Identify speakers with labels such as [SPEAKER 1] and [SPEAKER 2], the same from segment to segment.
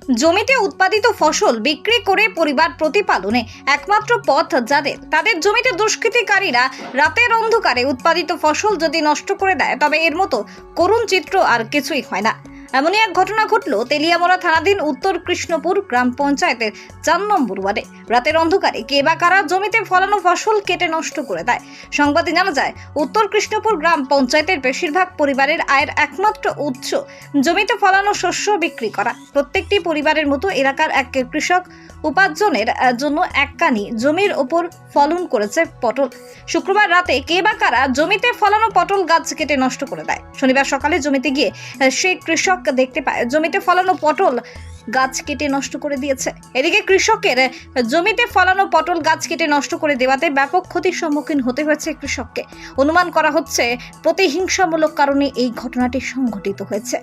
[SPEAKER 1] জমিতে উৎপাদিত ফসল বিক্রি করে পরিবার প্রতিপালনে একমাত্র পথ যাদের, তাদের জমিতে দুষ্কৃতিকারীরা রাতের অন্ধকারে উৎপাদিত ফসল যদি নষ্ট করে দেয় তবে এর মতো করুণ চিত্র আর কিছুই হয় না। এমনই এক ঘটনা ঘটল তেলিয়ামোড়া থানাধীন উত্তর কৃষ্ণপুর গ্রাম পঞ্চায়েতের ৪ নম্বর ওয়ার্ডে। রাতের অন্ধকারে কে বা কারা জমিতে ফলানো ফসল কেটে নষ্ট করে দেয়। সংবাদে জানা যায়, উত্তর কৃষ্ণপুর গ্রাম পঞ্চায়েতের বেশিরভাগ পরিবারের আয়ের একমাত্র উৎস জমিতে ফলানো শস্য বিক্রি করা। প্রত্যেকটি পরিবারের মতো এলাকার এক কৃষক উপার্জনের জন্য এককানি জমির ওপর ফলন করেছে পটল। শুক্রবার রাতে কে বা কারা জমিতে ফলানো পটল গাছ কেটে নষ্ট করে দেয়। শনিবার সকালে জমিতে গিয়ে সেই কৃষক দেখতে পায় জমিতে ফলানো পটল গাছ কেটে নষ্ট করে দিয়েছে। এদিকে কৃষকের জমিতে ফলানো পটল গাছ কেটে নষ্ট করে দেওয়াতে ব্যাপক ক্ষতির সম্মুখীন হতে হয়েছে কৃষককে। অনুমান করা হচ্ছে প্রতিহিংসামূলক কারণে এই ঘটনাটি সংঘটিত হয়েছে।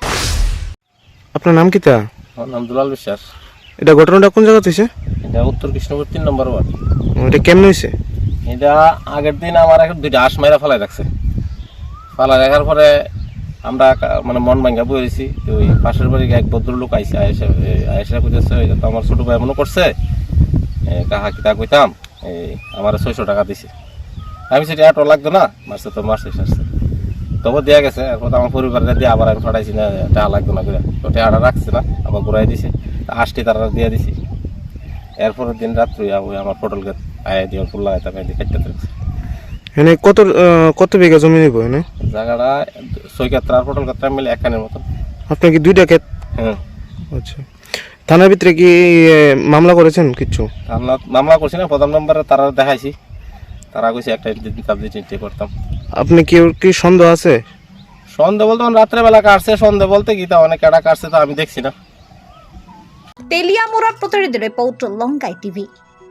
[SPEAKER 2] আপনার নাম কি তা?
[SPEAKER 3] আমার নাম দুলাল বিশ্বাস।
[SPEAKER 2] এটা ঘটনাটা কোন জায়গা হয়েছে?
[SPEAKER 3] এটা উত্তর কৃষ্ণপুর ৩ নম্বর ওয়ার্ড।
[SPEAKER 2] এটা কেমন হয়েছে?
[SPEAKER 3] এটা আগের দিন আমার এখন 2টা হাঁস মাইরা ফালাই রাখছে। ফালাই রাখার পরে আমরা মানে মন ভাঙ্গা বইছি। ওই পাশের বাড়ি এক ভদ্রলোক আইসা কইতেছে এটা তো আমার ছোট ভাই মনে করছে, কাহা কিতা কইতাম, আমার 600 টাকা দিছে। আমি সেটা এত লাগতো না, মারছে তো মারছে সারছে তবে দেওয়া গেছে। এরপর আমার পরিবারে দিয়ে আবার আমি ফাটাইছি না, টাকা লাগতো না করে তো টাকাটা রাখছে না, আবার ঘুরাই দিছে। আজকে তারা দিয়ে দিছি। এরপরের দিন রাত্রি আমার পটল গাছ আয়া দিয়ে ফুল লাগাইতাম, কেটে থাকছে।
[SPEAKER 2] এখানে কত বিঘা জমি নেব? এখানে
[SPEAKER 3] জায়গাটা 6 কাত্রা আর পটল কাত্রা মিলে একখানের মতন।
[SPEAKER 2] আপনার কি 2টা ক্ষেত?
[SPEAKER 3] হ্যাঁ।
[SPEAKER 2] আচ্ছা, থানার ভিতরে কি মামলা করেছেন কিছু?
[SPEAKER 3] মামলা করছি না, প্রধান মেম্বারে তারা দেখাইছি, তারা কইছে একটা চিন্তা করতাম।
[SPEAKER 2] আপনি কি সন্দেহ আছে?
[SPEAKER 3] সন্দেহ বলতে রাত্রেবেলা কাটছে, সন্দেহ বলতে কি তা অনেক কাটা কাটছে তো আমি দেখছি না।
[SPEAKER 1] তেলিয়ামোড়া প্রতিনিধি রিপোর্ট, লঙ্কাই টিভি।